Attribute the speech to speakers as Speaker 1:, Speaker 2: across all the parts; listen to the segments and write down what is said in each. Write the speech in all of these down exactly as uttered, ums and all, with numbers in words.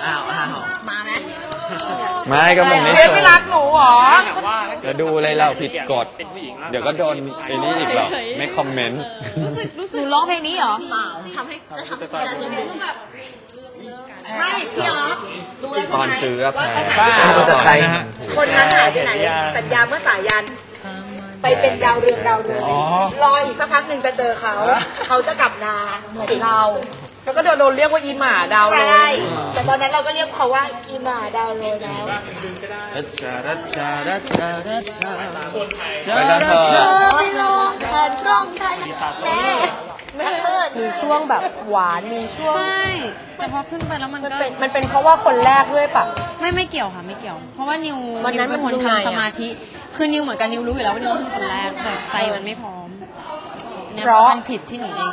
Speaker 1: อ้าวอ้าวมาไหม
Speaker 2: ไม่ก็มันไม่
Speaker 3: เจมไม่รักหนูหรอ
Speaker 2: จะดูอะไรเราผิดกฎเดี๋ยวก็โดนไอ้นี่อีกหรอกไม่คอมเมนต์
Speaker 1: หนูร้องเพลงนี้เหรอเปล่าทำให้จะทำให้จะจะต้องแบบ
Speaker 3: ไม่พี่อ๋อ
Speaker 2: ตอนซื้อแพ้
Speaker 3: จะใครคนนั้นหายไปไหนสัญญาเมื่อสายันไปเป็นดาวเรืองดาวเรืองรออีกสักพักหนึ่งจะเจอเขาเขาจะกลับนาถึงเราแล้วก็โดนเรียกว่าอีหมาดาวเลยใช่แต่ตอนนั้นเราก็เรียกเขาว่าอีหมาดาวเลยแล้ว
Speaker 2: ไปกันเถอะ
Speaker 3: แม่มีช่วงแบบหวานมีช่วง
Speaker 1: ใช่แต่พอขึ้นไปแล้วมันก็
Speaker 3: มันเป็นเพราะว่าคนแรกด้วยปะ
Speaker 1: ไม่ไม่เกี่ยวค่ะไม่เกี่ยวเพราะว่านิวนิวเป็นคนทำสมาธิคือนิวเหมือนกันนิวรู้อยู่แล้วว่านิวเป็นคนแรกแต่ใจมันไม่พร้อมเพราะมันผิดที่หนูเอง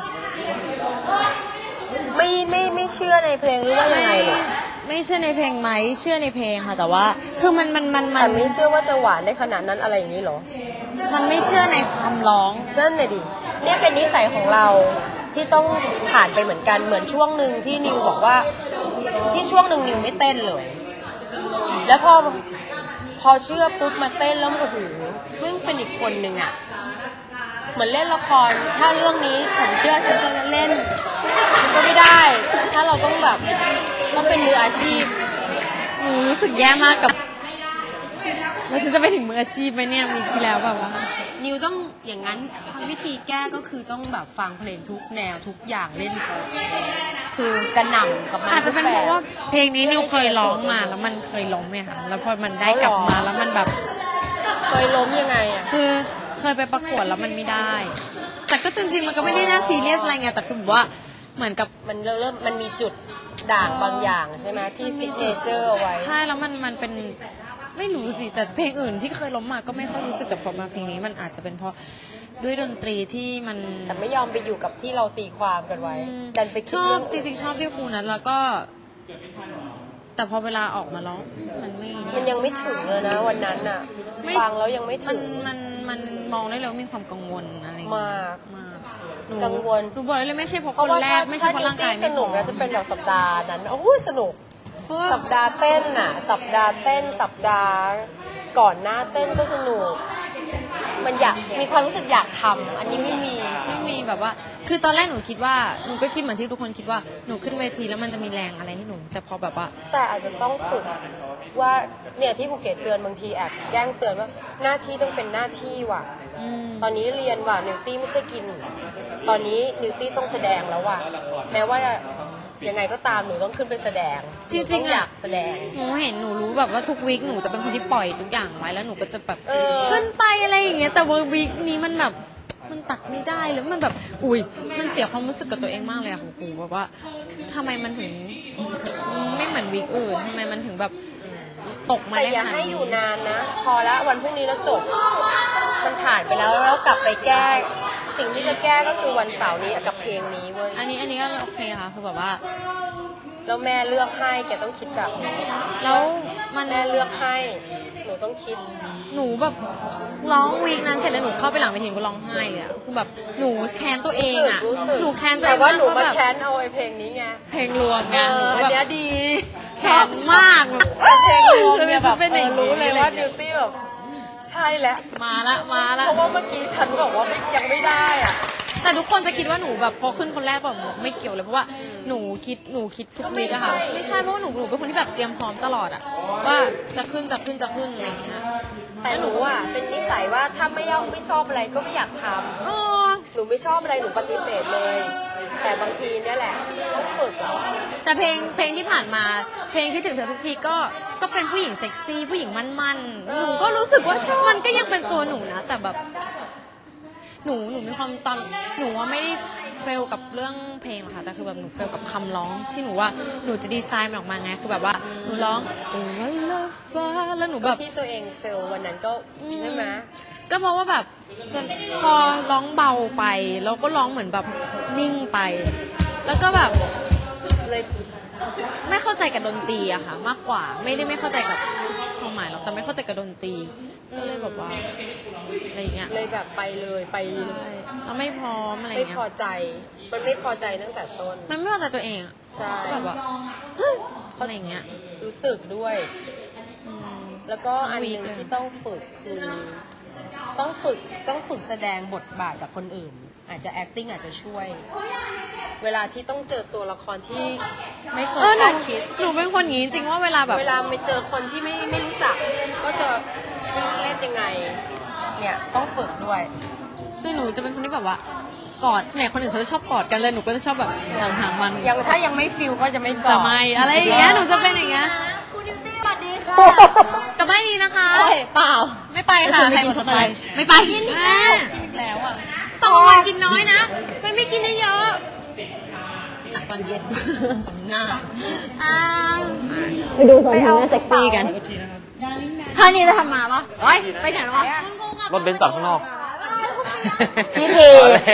Speaker 3: ไม่ไม่ไม่เชื่อในเพลงหรือว่ายังไงหรอ
Speaker 1: ไม่เชื่อในเพลงไหมเชื่อในเพลงค่ะแต่ว่าคือมันมันมัน
Speaker 3: แต่ไม่เชื่อว่าจะหวานได้ขนาดนั้นอะไรอย่างนี้หรอ
Speaker 1: มันไม่เชื่อในความร้อง
Speaker 3: นั่นเลยดิเนี่ยเป็นนิสัยของเราที่ต้องผ่านไปเหมือนกันเหมือนช่วงหนึ่งที่นิวบอกว่าที่ช่วงหนึ่งนิวไม่เต้นเลยแล้วพอพอเชื่อปุ๊บมาเต้นแล้วโอ้โหเพิ่งเป็นอีกคนหนึ่งอ่ะเหมือนเล่นละครถ้าเรื่องนี้ฉันเชื่อฉันจะเล่นก็ไม่ได้ถ้าเราต้องแบบต้องเป็นมืออาชีพ
Speaker 1: หนูรู้สึกแย่มากกับแล้วฉันจะไปถึงมืออาชีพไหมเนี่ยมีที่แล้วแบบว่า
Speaker 3: นิวต้องอย่างนั้นวิธีแก้ก็คือต้องแบบฟังเพลงทุกแนวทุกอย่างเล่นคือกระหน่ำกับมัน
Speaker 1: อาจจะเป็นเพราะว่าเพลงนี้นิวเคยร้องมาแล้วมันเคยล้มเนี่ยค่ะแล้วพอมันได้กลับมาแล้วมันแบบ
Speaker 3: เคยล้มยังไงอ่ะ
Speaker 1: คือเคยไปประกวดแล้วมันไม่ได้แต่ก็จริงๆมันก็ไม่ได้น่าซีเรียสอะไรไงแต่คือแบบว่าเหมือนกับ
Speaker 3: มันเริ่มมันมีจุดด่างบางอย่างใช่ไหมที่ซิเจเจอร์เอาไว้
Speaker 1: ใช่แล้วมันมันเป็นไม่รู้สิแต่เพลงอื่นที่เคยล้มมาก็ไม่ค่อยรู้สึกแต่พอมาเพลงนี้มันอาจจะเป็นเพราะด้วยดนตรีที่มัน
Speaker 3: แต่ไม่ยอมไปอยู่กับที่เราตีความกันไว้ดันไป
Speaker 1: ชอบจริงๆชอบที่ครูนั้นแล้วก็แต่พอเวลาออกมาร้องมันไม่
Speaker 3: มันยังไม่ถึงเลยนะวันนั้นอ่ะฟังแล้วยังไม่ถึง
Speaker 1: มันมันมองได้เลยมีความกังวลอะไร
Speaker 3: มาก
Speaker 1: มาก
Speaker 3: กังวล
Speaker 1: หนูบอกเลยไม่ใช่เพราะคนแรกไม่ใช่เพราะร่างกาย
Speaker 3: สนุกนะจะเป็นแบบสัปดาห์นั้นโอ้ยสนุกสัปดาห์เต้นน่ะสัปดาห์เต้นสัปดาห์ก่อนหน้าเต้นก็สนุกมันอยากมีความรู้สึกอยากทำอันนี้ไม่มี
Speaker 1: ไม่มีแบบว่าคือตอนแรกหนูคิดว่าหนูก็คิดเหมือนที่ทุกคนคิดว่าหนูขึ้นเวทีแล้วมันจะมีแรงอะไรให้หนูแต่พอแบบว่า
Speaker 3: แต่อาจจะต้องฝึกว่าเนี่ยที่ภูเก็ตเตือนบางทีแอบแกล้งเตือนว่าหน้าที่ต้องเป็นหน้าที่ว่ะตอนนี้เรียนว่ะนิวตี้ไม่ใช่กินตอนนี้นิวตี้ต้องแสดงแล้วว่ะแม้ว่ายังไงก็ตามหนูต้องขึ้นไปแสดง
Speaker 1: จริงๆ
Speaker 3: อยากแสดง
Speaker 1: หนูเห็นหนูรู้แบบว่าทุกวีคหนูจะเป็นคนที่ปล่อยทุกอย่างไว้แล้วหนูก็จะแบบขึ้นไปอะไรอย่างเงี้ยแต่ว่าวีคนี้มันแบบมันตัดไม่ได้แล้วมันแบบอุ้ยมันเสียความรู้สึกกับตัวเองมากเลยอะครูแบบว่าทำไมมันถึงไม่เหมือนวีคอื่นทำไมมันถึงแบบตกมา
Speaker 3: แต่อย่าให้อยู่นานนะพอแล้ววันพรุ่งนี้แล้วจบมันผ่านไปแล้วแล้วกลับไปแก้สิ่งที่จะแก้ก็คือวันเสาร์นี้กับเพลงนี้เว้ย
Speaker 1: อันนี้อันนี้ก็โอเคค่ะคือแบบว่า
Speaker 3: แล้วแม่เลือกให้แกต้องคิดแบบนี้
Speaker 1: แล้วมัน
Speaker 3: แม่เลือกให้หนูต้องคิด
Speaker 1: หนูแบบร้องวีคนั้นเสร็จแล้วหนูเข้าไปหลังเวทีก็ร้องไห้เลยอะคือแบบหนูแค้นตัวเองอะหนูแค้นตัวเอง
Speaker 3: แต่ว่าหนูมาแค้นเอาไอ้เพลงนี้ไง
Speaker 1: เพลงรวมไง
Speaker 3: อันนี้ดี
Speaker 1: ชอบมาก
Speaker 3: เพลงรวมเนี่ยแบบรู้เลยว่าดิวตี้แบบใช่แล้ว
Speaker 1: มาละมาละ
Speaker 3: เพราะว่าเมื่อกี้ฉันบอกว่ายังไม่ได้อ่ะ
Speaker 1: แต่ทุกคนจะคิดว่าหนูแบบพอขึ้นคนแรกแบบไม่เกี่ยวเลยเพราะว่าหนูคิดหนูคิดทุกวีอะค่ะไม่ใช่เพราะว่าหนูหนูเป็นคนที่แบบเตรียมพร้อมตลอดอะว่าจะขึ้นจะขึ้นจะขึ้นอะไรอย่างเงี้ย
Speaker 3: แต่หนูอ่ะเป็นนิสัยว่าถ้าไม่ยอมไม่ชอบอะไรก็ไม่อยากทำหนูไม่ชอบอะไรหนูปฏิเสธเลยแต่บางทีเนี่ยแหละต้องฝึก
Speaker 1: แต่เพลงเพลงที่ผ่านมาเพลงที่ถึงเธอทุกทีก็ก็เป็นผู้หญิงเซ็กซี่ผู้หญิงมั่นๆหนูก็รู้สึกว่ามันก็ยังเป็นตัวหนูนะแต่แบบหนูหนูมีความตอนหนูว่าไม่ได้เฟลกับเรื่องเพลงหรอกค่ะแต่คือแบบหนูเฟลกับคำร้องที่หนูว่าหนูจะดีไซน์มันออกมาไงคือแบบว่าหนูร้องโอ้ยละฟ้าแล้วหนูแบบ
Speaker 3: ที่ตัวเองเฟลวันนั้นก็ใช่ไหม
Speaker 1: ก็เพราะว่าแบบจะพอร้องเบาไปแล้วก็ร้องเหมือนแบบนิ่งไปแล้วก็แบบ
Speaker 3: เลย
Speaker 1: ไม่เข้าใจกับดนตรีอะค่ะมากกว่าไม่ได้ไม่เข้าใจกับความหมายหรอกแต่ไม่เข้าใจกับดนตรีก็เลยแบบว่าอะไรเงี้ย
Speaker 3: เลยแบบไปเลยไป
Speaker 1: เราไม่พร้อมอะไรเงี้ย
Speaker 3: ไม่พอใจมันไม่พอใจตั้งแต่ต้น
Speaker 1: มันไม่พอใจตัวเองอะ
Speaker 3: ใช่
Speaker 1: แบบว่าอะไรอย่างเงี้ย
Speaker 3: รู้สึกด้วย
Speaker 1: อืม
Speaker 3: แล้วก็อันหนึ่งที่ต้องฝึกคือต้องฝึกต้องฝึกแสดงบทบาทกับคนอื่น อาจจะ acting อาจจะช่วย เวลาที่ต้องเจอตัวละครที่ไม่เคย
Speaker 1: เออหนู
Speaker 3: คาดคิด
Speaker 1: หนูเป็นคนอย่างนี้จริงๆว่าเวลาแบบ
Speaker 3: เวลาไปเจอคนที่ไม่ไม่รู้จัก ก็จะเล่นยังไง เนี่ยต้องฝึกด้วย
Speaker 1: คือหนูจะเป็นคนที่แบบว่ากอดเนี่ยคนอื่นเขาจะชอบกอดกันเลยหนูก็จะชอบแบบห่างๆมัน
Speaker 3: ยังถ้ายังไม่ฟิลก็จะไม่กอ
Speaker 1: จะ
Speaker 3: ด
Speaker 1: ไม่อะไรอย่างเงี้ยหนูจะเป็นอย่างเงี้ยกับไม่ดีนะคะ
Speaker 3: เปล่า
Speaker 1: ไม่ไปค่ะ
Speaker 3: ไม่กิน
Speaker 1: ใคร
Speaker 3: สไปร์
Speaker 1: ไม่ไปกินแล้วแล้วอ่ะต้องวันกินน้อยนะไม่ไม่กินเยอะๆตอนเย็นสมหน้าไปดูสองคนน่าเซ็กซี่กันท่านี้จะทำมาปะเฮ้ยไปไหนวะ
Speaker 2: รถเบนซ์จอดข้างนอก
Speaker 3: พี่ที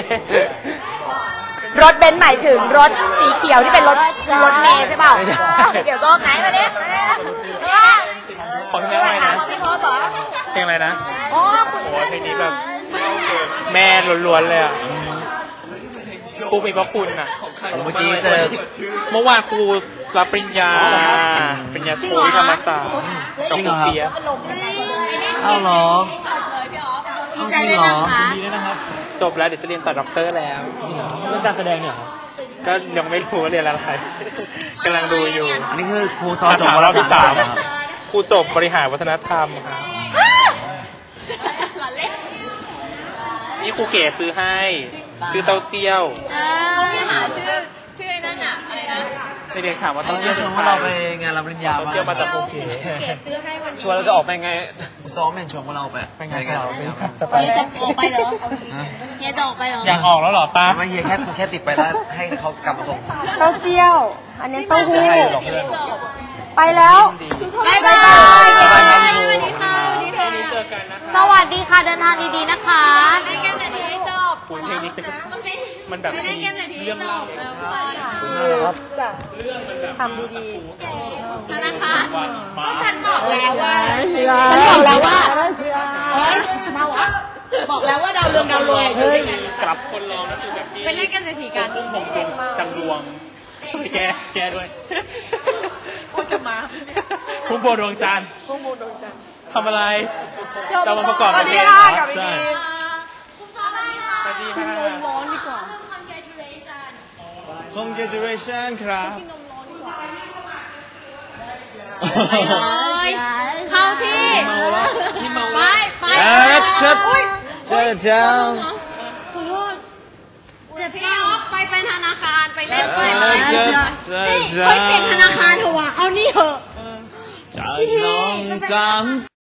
Speaker 3: รถเบนซ์หมายถึงรถสีเขียวที่เป็นรถรถเมล์ใช่เปล่า
Speaker 2: ไม่ใช่
Speaker 3: เดี๋ยวก็ไหนมาเนี่ย
Speaker 4: ของเพลงอะไรนะ
Speaker 3: พี่พอสเหรอ
Speaker 4: เพลงอะไรนะ
Speaker 3: อ๋อคุณ
Speaker 4: โอ้ยเพลงนี้แบบแม่ล้วนๆเลยอ่ะครูมีพระคุณอ่ะ
Speaker 2: เมื่อกี้เจอ
Speaker 4: เมื่อวานครูรับปริญญาปริญญาโทที่ธรรมศาสตร์กับครูเปีย
Speaker 2: เอาเหรอ
Speaker 3: ดีใจด้วยนะคะ
Speaker 4: จบแล้วเดี๋ยวจะเรียนต่อด็อกเตอร์แล้ว
Speaker 2: เรื่องการแสดงเนี่ย
Speaker 4: ก็ยังไม่รู้ว่าเรียนอะไรกำลังดูอยู่
Speaker 2: อันนี้คือครูสอนจบวาร
Speaker 4: รอบที่
Speaker 2: สา
Speaker 4: สาม
Speaker 2: ม
Speaker 4: ครูจบบริหารวัฒนธรรมครับนี่ครูเก๋ซื้อให้ ซื้อเต้าเจี้ยว
Speaker 1: พี่หาชื่อชื่อนั่นอะอะไรนะ
Speaker 4: เด็กๆถามว่า
Speaker 2: ต้
Speaker 4: เต้า
Speaker 2: อง
Speaker 4: เจี้ยว
Speaker 2: ช
Speaker 4: เป็น
Speaker 2: วน
Speaker 4: ใคร
Speaker 2: ว่าเราไปงานรับปริญญา
Speaker 4: เต้าเจี้ยวมาจากครูเก๋
Speaker 3: ซื้อให้วัน
Speaker 2: ชวนเราจะออกไปไงซ้อมแม่งชวนพวกเราไป
Speaker 4: ไปงานเราไปจะไป
Speaker 3: เฮียจะออกไปเหรอเฮียจะออกไปเหรอ
Speaker 4: อยากออกแล้วเหรอตา
Speaker 2: ไม่เฮียแค่แค่ติดไปแล้วให้เขากลับมาส่ง
Speaker 3: เต้าเจี้ยว อันนี้เต้าหู้
Speaker 2: ให้หรอกเพื่อน
Speaker 3: ไปแล้ว
Speaker 1: บ๊ายบาย
Speaker 2: บ๊ายบายครับ
Speaker 1: สวัสดีค่ะสวัสดีค่ะ
Speaker 4: เจอกันนะ
Speaker 3: สวัสดีค่ะ เดินทางดีๆนะคะ
Speaker 1: เล่นกันแต่ทีให้จบ
Speaker 4: คุณเพลงนี้ฉันก็มันแบบ
Speaker 1: เล่นกันแต่ทีให้
Speaker 4: เรื่อง
Speaker 1: จ
Speaker 4: เล่า
Speaker 1: บแล้วสวัสดีค่ะ
Speaker 2: ครับ
Speaker 3: ทำดี
Speaker 1: ธนาคาร
Speaker 3: ๆก็ฉันบอกแล้วว่าฉันบอกแล้วว่าเฮ้ยเมาอ่ะบอกแล้วว่าดาวเรืองดาวโรยเฮ้ย
Speaker 4: กลับคนร้องนั่นคือแบบที่
Speaker 1: ไปเล่นกันแต่ทีกัน
Speaker 4: พุ่มผมเป็นจังดวงไปแกแกด้วย
Speaker 3: พูดจะมา
Speaker 4: พุ่มโพดวงจันทร์
Speaker 3: พุ่งมูดวงจันทร์
Speaker 4: ทำอะไรเรามาประกอบ
Speaker 3: สวัส
Speaker 4: เพ
Speaker 3: ดี
Speaker 4: ลง
Speaker 3: ค่ะกับ
Speaker 4: ใช่
Speaker 3: พี่
Speaker 4: สวัสดีค่ะ
Speaker 3: ร้อนดีกว่า
Speaker 2: Congratulations ครับ
Speaker 1: ไปเลยเข้าที่ไปไป
Speaker 2: แล้วชัดเจอจัง
Speaker 1: ขอโทษเดี๋ยวพี่ออฟไปเป็นธนาคารไปเล่นไปเล
Speaker 2: แล้ว
Speaker 1: ย
Speaker 2: ชัดเจอจัง
Speaker 1: ธนาคารเถอะวะเอานี่เถอะ
Speaker 2: จากน้องสาม